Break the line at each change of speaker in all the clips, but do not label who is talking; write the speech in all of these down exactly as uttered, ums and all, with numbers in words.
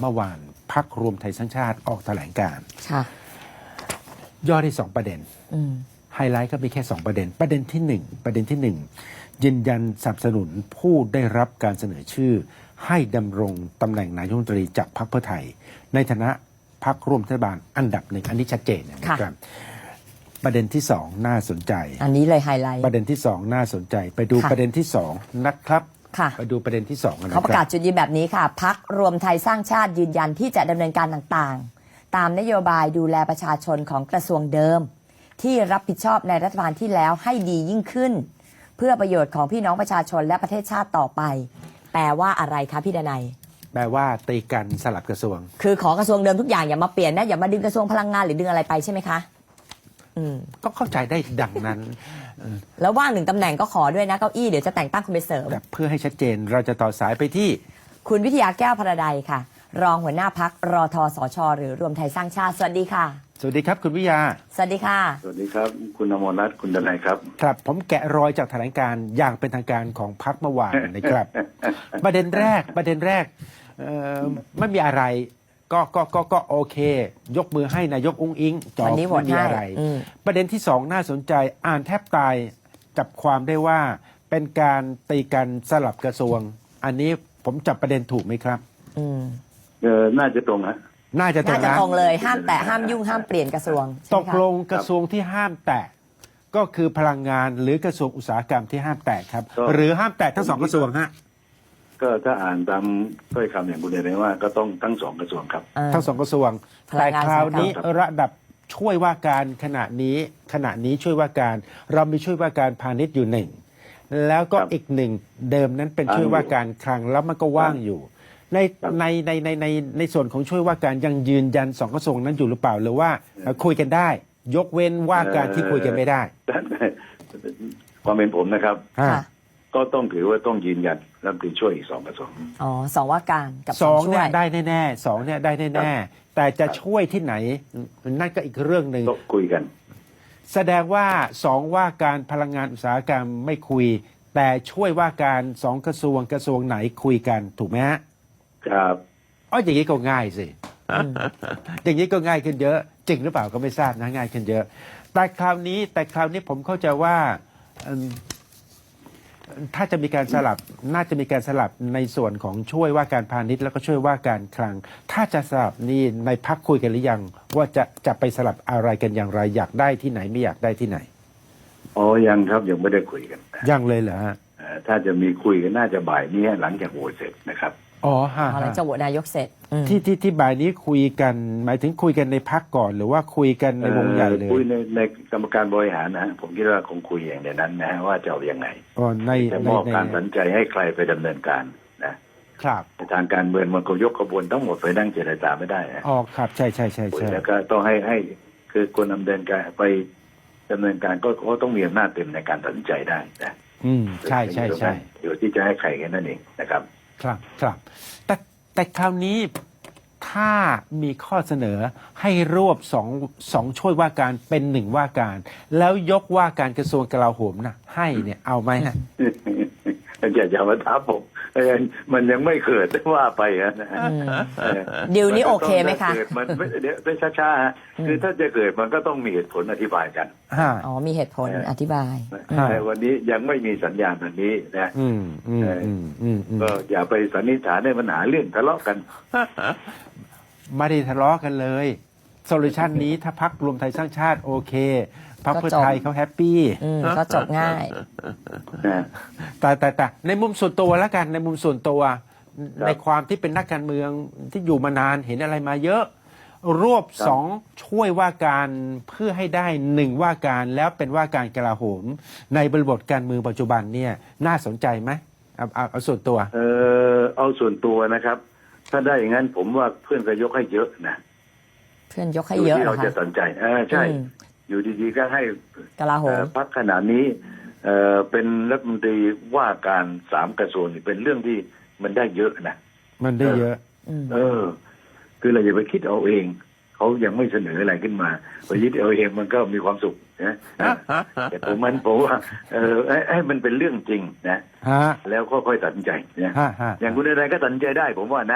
เมื่อวานพรรครวมไทยสร้างชาติออกแถลงการณ์
ค่ะ
ย่อได้สองประเด็น
อืม
ไฮไลท์ก็มีแค่สองประเด็น ประเด็นที่หนึ่งประเด็นที่หนึ่งยืนยันสนับสนุนผู้ได้รับการเสนอชื่อ ให้ดำรงตำแหน่งนายกรัฐมนตรีจากพรรคเพื่อไทย ในฐานะพรรคร่วมรัฐบาลอันดับหนึ่งอันนี้ชัดเจนนะครับ ประเด็นที่สองน่าสนใจ
อันนี้เลยไฮไลท์
ประเด็นที่สองน่าสนใจ ไปดู
ค่ะ
ประเด็นที่สองนะครับ
ค่ะ
ไปดูประเด็นที่สองกันนะค
เขาประกา
รั
ศ
บ
จุดยืนแบบนี้ค่ะพักรวมไทยสร้างชาติยืนยันที่จะดำเนินการต่างๆ ตามนโยบายดูแลประชาชนของกระทรวงเดิม ที่รับผิดชอบในรัฐบาลที่แล้วให้ดียิ่งขึ้น เพื่อประโยชน์ของพี่น้องประชาชนและประเทศชาติต่อไป แปลว่าอะไรคะพี่ดนัย
แปลว่าตีกันสลับกระทรวง
คือขอกระทรวงเดิมทุกอย่างอย่ามาเปลี่ยนนะอย่ามาดึงกระทรวงพลังงานหรือดึงอะไรไปใช่ไหมคะอืม
ก็เข้าใจได้ดังนั้น
แล้วว่างหนึ่งตำแหน่งก็ขอด้วยนะเก้าอี้เดี๋ยวจะแต่งตั้งคุณไปเสริม
แต่เพื่อให้ชัดเจนเราจะต่อสายไปที่
คุณวิทยาแก้วพระใดค่ะ รองหัวหน้าพักรอทสช หรือรวมไทยสร้างชาติสวัสดีค่ะ
สวัสดีครับคุณวิทยา
สวัสดีค่ะ
สวัสดีครับ คุณอมรรัตน์คุณดนัยครับ
ครับผมแกะรอยจากแถลงการณ์อย่างเป็นทางการของพรรคเมื่อวานนะครับ ประเด็นแรกประเด็นแรกเอ่อไม่มีอะไรก็ก็ก็ก็โอเค ยกมือให้นายกอุ้งอิงจบ
วันนี้โหวต
ไม่มีอะไร
ให้อืม
ประเด็นที่สองน่าสนใจอ่านแทบตายจับความได้ว่าเป็นการตีกันสลับกระทรวง อันนี้ผมจับประเด็นถูกไหมครับ
อืม
เออน่าจะตรงฮะ
น่าจะตร
น่าง จะ
นะ
ตรงเลยห้ามแตะห้ามยุ่งห้ามเปลี่ยนกระทรวงใช่
ต
ไหม
ก
คะ
ลงกระทรวงที่ห้ามแตะก็คือพลังงานหรือกระทรวงอุตสาหกรรมที่ห้ามแตะครับ
ก็
หรือห้ามแตะทั้งสองกระทรวงฮะ
ก็ถ้าอ่านตามถ้อยคำอย่างคุณดนัยว่าก็ต้องทั้งสองกระทรวงครับ
เออ
ทั้งสองกระทรวง
พลั
แต่
งงาน
คราวนี้
ครับ
ระดับช่วยว่าการขณะนี้ขณะนี้ช่วยว่าการ เรามีช่วยว่าการพาณิชย์อยู่หนึ่งแล้วก็อีกหนึ่งเดิมนั้นเป็นช่วยว่าการคลังแล้วมันก็ว่างอยู่ ในในในในในในส่วนของช่วยว่าการยังยืนยันสองกระทรวงนั้นอยู่หรือเปล่าหรือว่าเอ่อคุยกันได้ ยกเว้นว่าการที่คุยกันไม่ได้
ความเป็นผมนะครับ
ฮะ
ค่ะ
ก็ต้องถือว่าต้องยืนยันรัฐมนตรีช่วยอีกสองกระทรวง
อ๋อสองว่าการกับ
ส
ส
อ
อง งช่
เนี่
วย ย
ได้แน่ๆสองเนี่ยได้แน่ๆแต่จะช่วยที่ไหนนั่นก็อีกเรื่องหนึ่ง
ต้องคุยกัน
แสดงว่าสองว่าการพลังงานอุตสาหกรรมไม่คุย แต่ช่วยว่าการสองกระทรวงกระทรวงไหนคุยกันถูกไหมฮะ
ครับ
อ๋ออย่างนี้ก็ง่ายสิ
อืม
อย่างนี้ก็ง่ายขึ้นเยอะ จริงหรือเปล่าก็ไม่ทราบนะง่ายขึ้นเยอะ แต่คราวนี้แต่คราวนี้ผมเข้าใจว่าเอิ่มถ้าจะมีการสลับน่าจะมีการสลับในส่วนของช่วยว่าการพาณิชย์แล้วก็ช่วยว่าการคลัง ถ้าจะสลับนี่ในพักคุยกันหรือยัง ว่าจะจะไปสลับอะไรกันอย่างไรอยากได้ที่ไหนไม่อยากได้ที่ไหน
อ๋อยังครับยังไม่ได้คุยกัน
ยังเลยเหรอฮะ
เอ่อถ้าจะมีคุยกันน่าจะบ่ายนี้หลังจากโหวตเสร็จนะครับ
อ๋อฮะ
เอาหลังจากโหวตนายกเสร็จอืม
ที่ที่ที่บ่ายนี้คุยกัน หมายถึงคุยกันในพักก่อน หรือว่าคุยกันในวงใหญ่เลย
อ่อคุยในในกรรมการบริหารนะฮะผมคิดว่าคงคุยอย่างในนั้นนะฮะว่าจะเอายังไง
อ๋อใน
จะ
ใน
มอบ
ใน
การตัดสินใจให้ใครไปดำเนินการนะครับ ในทางการเมืองมันก็ยกกระบวนทั้งหมดไปนั่งเจรจาไม่ได้นะ
อ๋อครับใช่ใช่ใช่
คุย
ใช่
แล้วก็ต้องให้ให้คือคนดำเนินการไปดำเนินการก็ก็ต้องมีอำนาจเต็มในการตัดสินใจได้นะ
อืมใช่ใช่ใช่
เดี๋ยวที่จะให้ใครแค่นั้นเองนะครับ
ครับครับแต่แต่คราวนี้ถ้ามีข้อเสนอให้รวบสองสองช่วยว่าการเป็นหนึ่งว่าการ แล้วยกว่าการกระทรวงกลาโหมนะให้เนี่ยเอาไหมฮะ
อย่าอย่ามาท้าผมเออมันยังไม่เกิดว่าไปนะ
อืม
เออ
ดิวนี้โอเคไหมคะ
นกิดมันไม่เดี๋ยวเป็นช้าๆฮะคือถ้าจะเกิดมันก็ต้องมีเหตุผลอธิบายกัน
ฮะ
อ๋อมีเหตุผลอธิบาย
แต่วันนี้ยังไม่มีสัญญาณแบบนี้นะ
อืมอืมอืมอืมอืม
ก็อย่าไปสันนิษฐานให้มันหาเรื่องทะเลาะกัน
ไม่ได้ทะเลาะกันเลยโซลูชันนี้ถ้าพักรวมไทยสร้างชาติโอเคพักเพื่อไทยเขาแฮปปี้
อืมก็จบง่าย
นะ
แต่แต่แต่ในมุมส่วนตัวแล้วกันในมุมส่วนตัว ในความที่เป็นนักการเมืองที่อยู่มานานเห็นอะไรมาเยอะ รวบสองช่วยว่าการเพื่อให้ได้หนึ่งว่าการแล้วเป็นว่าการกลาโหม ในบริบทการเมืองปัจจุบันเนี่ยน่าสนใจไหมเอาเอาเอาส่วนตัว
เออเอาส่วนตัวนะครับ ถ้าได้อย่างนั้นผมว่าเพื่อนก็ยกให้เยอะนะ
เพื่อนยกให้เยอะ
ที่
เหร
เรา
อ
จะ
คะ
สนใจเออใช่
อืม
อยู่ดีๆก็ให้
กลาโห
เอ่
ม
อพักขนาดนี้เอ่อเป็นรัฐมนตรีว่าการสามกระทรวงนี่เป็นเรื่องที่มันได้เยอะนะ
มันได้เยอะ
อืม
เออ คือเราอย่าไปคิดเอาเองเขายังไม่เสนออะไรขึ้นมาไปยึดเอาเองมันก็มีความสุขนะแต่ผมมันผมว่าเออให้ให้มันเป็นเรื่องจริงนะ
ฮะ
แล้วก็ค่อยตัดสินใจนะ
ฮะฮะ
อย่างคุณอะไรก็ตัดสินใจได้ผมว่านะ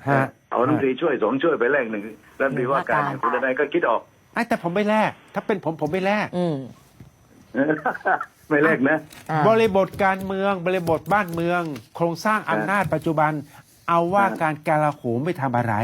ฮะ
เอารัฐมนตรีช่วยสองช่วยไปแลกหนึ่งรัฐมนตรีว่าการ
ว่าการ
คุณนายก็คิดออก
ไอ้แต่ผมไม่แลกถ้าเป็นผมผมไม่แลก
อืม
ไม่แลกนะ
อ่า
บริบทการเมืองบริบทบ้านเมือง โครงสร้างอำนาจปัจจุบัน เอาว่า
อ่า
การกลาโหมไม่ทำอะไร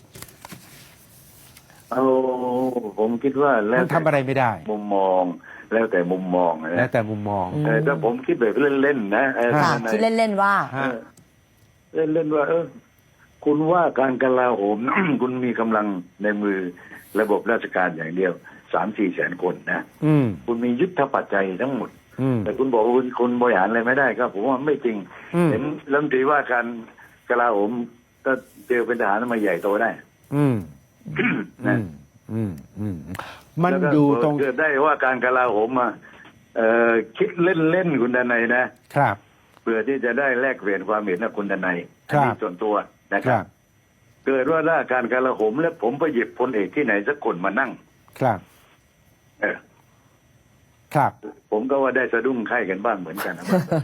เอาผมคิดว่าแล้ว
มันทำอะไรไม่ได้
มุมมองแล้วแต่มุมมอง
แล้ว
นะ
แต่มุมมอง
อืม
เออถ้าผมคิดแบบเล่นๆนะเออ
ค่ะ
ท่านนาย
คิดเล่น ๆ ว่า
ฮะ
เล่นเล่นๆว่า เออ คุณว่าการกลาโหม คุณมีกำลังในมือระบบราชการอย่างเดียวสามสี่แสนคนนะ
อืม
คุณมียุทธปัจจัยทั้งหมด
อืม
แต่คุณบอกว่าคุณคุณบริหารอะไรไม่ได้ครับผมว่าไม่จริง
อืม
เห็นรัฐมนตรีว่าการกลาโหมก็เจอเป็นทหารมาใหญ่โตได้
อืม อื
นะ
มอืมอืมมัน
แล้วก็
อยู่ตรง
เกิดได้ว่าการกลาโหมมาเอ่อคิดเล่นๆคุณดนัยนะครับ เพื่อที่จะได้แลกเปลี่ยนความเห็นกับคุณดนัย
ครั
อั
บ
นี้ส่วนตัวนะ
ค
ครั
รับ บ
เกิดว่าถ้าการกลาโหมแล้วผมไปหยิบพลเอกที่ไหนสักคนมานั่ง
ครับ
เออ
ครับ
ผมก็ว่าได้สะดุ้งไข้กันบ้างเหมือนกันนะ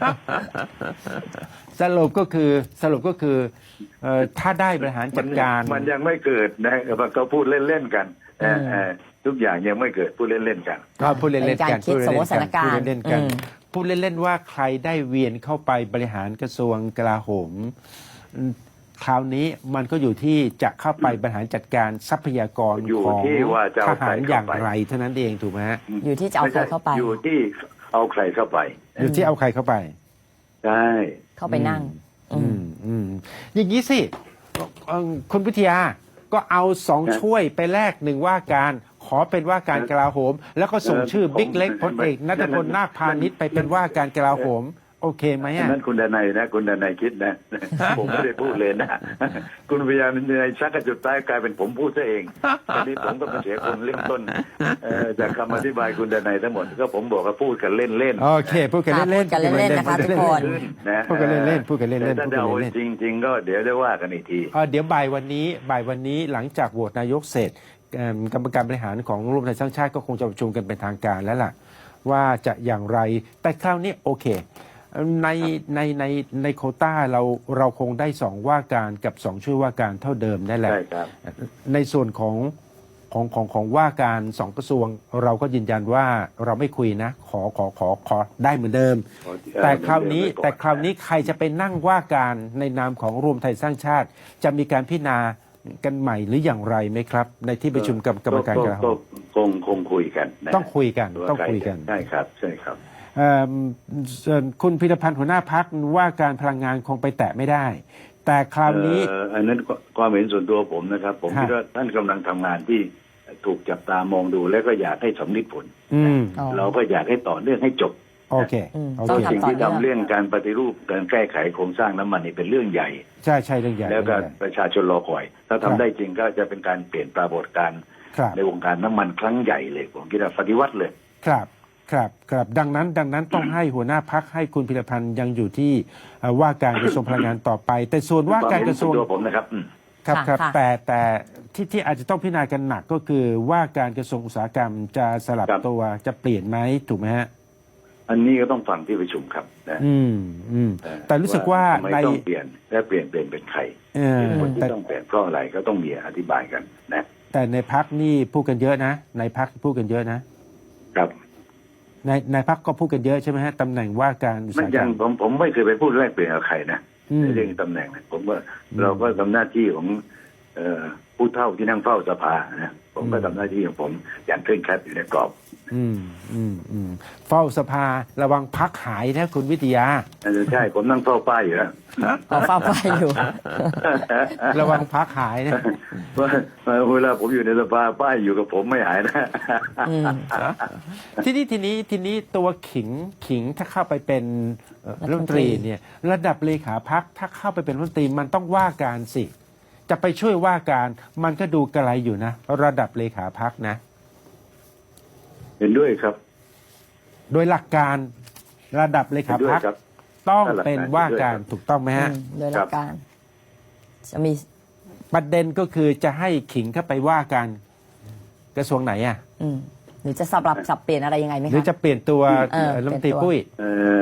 สรุปก็คือสรุปก็คือเอ่อถ้าได้บริหารจัดการ
มันมันยังไม่เกิดนะเขาพูดเล่นๆกันเออ
อืม
เออทุกอย่างยังไม่เกิดพูดเล่นๆกัน
ก็พูดเล่นๆ
เป็น
กั
การ
น
คิด
พูด
สมม
เล่
ติ
น
สถาน
ๆ
กา
พูด
รณ์
เล่นๆกัน
อืม
พูดเล่นๆว่าใครได้เวียนเข้าไปบริหารกระทรวงกลาโหมอืมคราวนี้มันก็อยู่ที่จะเข้าไปบริหารจัดการทรัพยากร
อยู่
ของ
ที่ว่าจะ
ท
เอาใคร
หาร
เข้าไป
อย่างไรเท่านั้นเองถูกไหมฮะ
อยู่ที่จะเอาใครเข้าไป
ม่ใช่อยู่ที่เอาใครเข้าไป
อยู่ที่เอาใครเข้าไป
ใช่
เข้าไปนั่ง อื
อื
ม
มอืมอย่างนี้สิเอ่อคุณวิทยาก็เอาสองช่วยไปแลกหนึ่งว่าการ ขอเป็นว่าการกลาโหม แล้วก็ส่งชื่อบิ๊กเล็กพลเอกนัทพลนาคพาณิชย์ไปเป็นว่าการกลาโหม โอเคไหม
อัน
อ่ะ
นั้นคุณดนัยนะคุณดนัยคิดนะ ผมไม่ได้พูดเลยนะ คุณพยายามในชักกระจุดใต้กลายเป็นผมพูดซะเองตอนนี้ผมก็เป็นเสียคนเริ่มต้นเอ่อจากคำอธิบายคุณดนัยทั้งหมดก็ผมบอกว่าพูดกันเล่นๆ
โอเค พูดกันเล่นๆ
พูดกันเล่นๆนะคะทุกคน
นะ
พูดกันเล่นๆพูดกันเล่นๆ
แต่ถ้า
พูดกัน
จะเอา
เล่นๆ
จริง ๆ ก็เดี๋ยวได้ว่ากันอีกที
เอ่อเดี๋ยวบ่ายวันนี้บ่ายวันนี้หลังจากโหวตนายกเสร็จเอิ่มกรรมการบริหารของรวมไทยสร้างชาติก็คงจะประชุมกันเป็นทางการแล้วล่ะ ว่าจะอย่างไรแต่คราวนี้โอเคในในในในโควต้าเราเราคงได้สองว่าการกับสองช่วยว่าการเท่าเดิมนั่นแหละ
ใช่ครับ
ในส่วนของของของของว่าการสองกระทรวง เราก็ยืนยันว่าเราไม่คุยนะ ขอขอขอขอได้เหมือนเดิม
ขอเอ่อ
แต่คราวนี้
เหมือนเดิมไว้ก่อน
แต่คราวนี้ใครจะไปนั่งว่าการในนามของรวมไทยสร้างชาติ จะมีการพิจารณากันใหม่หรืออย่างไรไหมครับ ในที่ประชุมกับกรรมการกลาโห
ก็
ม
คงคงคุยกันนะ
ต้องคุยกัน
ว่า
ต้อง
ใร
คุยกัน
ใช่ครับใช่ครับ
เอิ่มส่วนคุณพิรพันธ์หัวหน้าพักว่าการพลังงานคงไปแตะไม่ได้ แต่คราวนี้
เอ่ออันนั้นความเห็นส่วนตัวผมนะครับ ผม
ฮะ
คิดว่าท่านกำลังทำงานที่ถูกจับตามองดูแล้วก็อยากให้สำลิดผล
อืม
อ๋อ
เราก็อยากให้ต่อเนื่องให้จบ
โอเค
อืม
โอ
ต้
เค
อง
สิ่ง
ทำต่อ
ที่ทำเรื่องการปฏิรูปการแก้ไขโครงสร้างน้ำมันนี่เป็นเรื่องใหญ่
ใช่ใช่เรื่องใหญ่
แล้วก็
เรื่องใหญ่
ประชาชนรอคอย ถ้า
ครั
ทำ
บ
ได้จริงก็จะเป็นการเปลี่ยนปรากฏการณ์
ครับ
ในวงการน้ำมันครั้งใหญ่เลยผมคิดว่าปฏิวัติเลย
ครับครับครับดังนั้นดังนั้นต้องให้หัวหน้าพักให้คุณพิรพันธ์ยังอยู่ที่เอ่อว่าการกระทรวงพลังงานต่อไป แต่ส่วนว่าการกระทรวง
ความเห็นส่วนตัวผมนะครับอืม
ครับ
ค่ะ
ครับ
ค่ะ
แต่แต่ที่ที่อาจจะต้องพิจารณากันหนักก็คือว่าการกระทรวงอุตสาหกรรมจะสลับ
ครับ
ตัวจะเปลี่ยนไหมถูกไหมฮะ
อันนี้ก็ต้องฟังที่ประชุมครับนะ
อืมอืม
เอ่อ
แต่รู้สึกว่า
ทำไม
ใน
ต้องเปลี่ยนและเปลี่ยนเปลี่ยนเป็นใคร
เออ
เหตุผลที่
แต่
ต้องเปลี่ยนเพราะอะไรก็ต้องมีอธิบายกันนะ
แต่ในพักนี่พูดกันเยอะนะ ในพักพูดกันเยอะนะครับ ในในพักก็พูดกันเยอะใช่ไหมฮะตำแหน่งว่าการอุต
มัน
สาหกร
ยั
รง ม
ผมผมไม่เคยไปพูดแลกเปลี่ยนกับใครนะ
อืม
ในเรื่องตำแหน่งนะผมว่า
อืม
เราก็ทำหน้าที่ของเอ่อผู้เฒ่าที่นั่งเฝ้าสภานะผมก็
อืม
ทำหน้าที่ของผมอย่างเคร่งครัดอยู่ในกรอบ
อืมอืมอืมเฝ้าสภาระวังพักหายนะคุณวิทยา
อันนั้นใช่ผมนั่งเฝ้าป้ายอยู่แล้ว
เอาเฝ้าไฟอยู่
ระวังพักหายนะ
ว่าเวลาผมอยู่ในสภาป้ายอยู่กับผมไม่หายนะ
อืม
ทีนี้ทีนี้ทีนี้ตัวขิงขิงถ้าเข้าไปเป็นเอ่อรัฐมนตรีเนี่ยระดับเลขาพักถ้าเข้าไปเป็นรัฐมนตรีมันต้องว่าการสิ จะไปช่วยว่าการมันก็ดูกระไรอยู่นะ ระดับเลขาพักนะ
เห็นด้วยครับ
โดยหลักการระดับเล
เห็
ขาน
ด้วย
พัก
ครับ
ต้องเป็นว่าการ
เห็นด้วยครับ
ถูกต้องไหมฮะ
อืมโดยหลักการ จะมี
ประเด็นก็คือจะให้ขิงเข้าไปว่าการกระทรวงไหนอ่ะ
อืมหรือจะสลับสับเปลี่ยนอะไรยังไงไหม
หรือ
คะ
จะเปลี่ยนตัว
เออ
รัฐมนตรี
เปลี่ยนตัว
ปุ้ย
เอ่อผ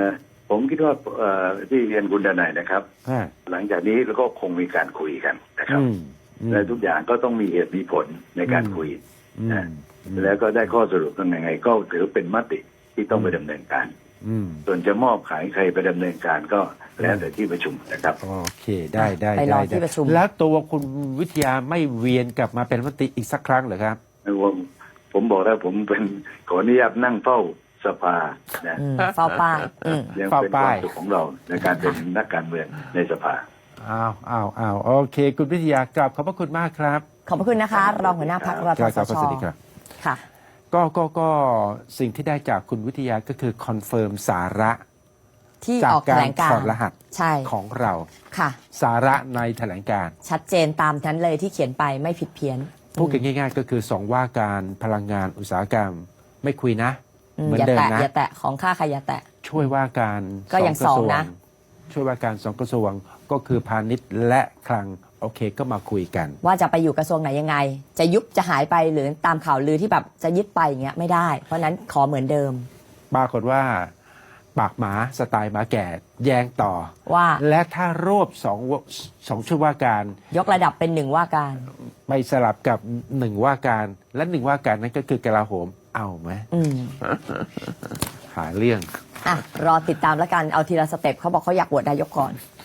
ผมคิดว่าเอ่อที่เรียนคุณดนัยนะครับ
ฮะ
หลังจากนี้เราก็คงมีการคุยกันนะครับ
อืมอืม
และทุกอย่างก็ต้องมีเหตุมีผลในการคุย
อืม
นะแล้วก็ได้ข้อสรุปยังไง ก็ถือเป็นมติที่ต้องไปดำเนินการ
อืม
ส่วนจะมอบขายใครไปดำเนินการก็แล้วแต่ที่ประชุมนะครับ
โอเคได้ได้
ไปรอ
ได้
ที่
ได้
ประชุม
แล้วตัวคุณวิทยาไม่เวียนกลับมาเป็นรัฐมนตรีอีกสักครั้งเหรอครับ
ผมผมบอกแล้วผมเป็นขออนุญาตนั่งเฝ้าสภานะ
อืมเฝ้าป้ายอืม
ยัง
เฝ้า
เป็นค
ป้า
วาย มสุขของเราในการเป็นนักการเมืองในสภา
อ้าวอ้าวอ้าวโอเค คุณวิทยากลับขอบพระคุณมากครับ
ขอบพระคุณนะคะ รองหัวหน้าพักร
ค
ท
รับ
ส
ครับ
ช
สวัสดีครับ
ค่ะ
ก็ก็ก็สิ่งที่ได้จากคุณวิทยาก็คือคอนเฟิร์มสาระ
ที่
จาก
ออกแถ
การ
ลงการ
ถอดรหัส
ใช่
ของเรา
ค่ะ
สาระในแถลงการณ์
ชัดเจนตามนั้นเลยที่เขียนไปไม่ผิดเพี้ยน
พูดกันง่าย ๆ ก็คือสองว่าการพลังงานอุตสาหกรรม ไม่คุยนะ
อืม
เหมือน
อย่า
เดิม
แตะ
นะ
อย่าแตะของค่าใครอย่าแตะ
ช่วยว่าการ
ก็ยัง
กระทรว
สองนะ
ช่วยว่าการสองกระทรวงก็คือพาณิชย์และคลังโอเคก็มาคุยกัน
ว่าจะไปอยู่กระทรวงไหนยังไง จะยุบจะหายไปหรือตามข่าวลือที่แบบจะยึดไปอย่างเงี้ยไม่ได้ เพราะฉะนั้นขอเหมือนเดิม
ปรากฏว่าปากหมาสไตล์หมาแก่แย้งต่อ
ว่า
และถ้ารวบสองวสองช่วยว่าการ
ยกระดับเป็นหนึ่งว่าการ
ไปสลับกับหนึ่งว่าการ และหนึ่งว่าการนั้นก็คือกลาโหมเอาไหม
อืม
หาเรื่อง
อ่ะรอติดตามแล้วกันเอาทีละสเต็ปเขาบอกเขาอยากโหวตนายกก่อน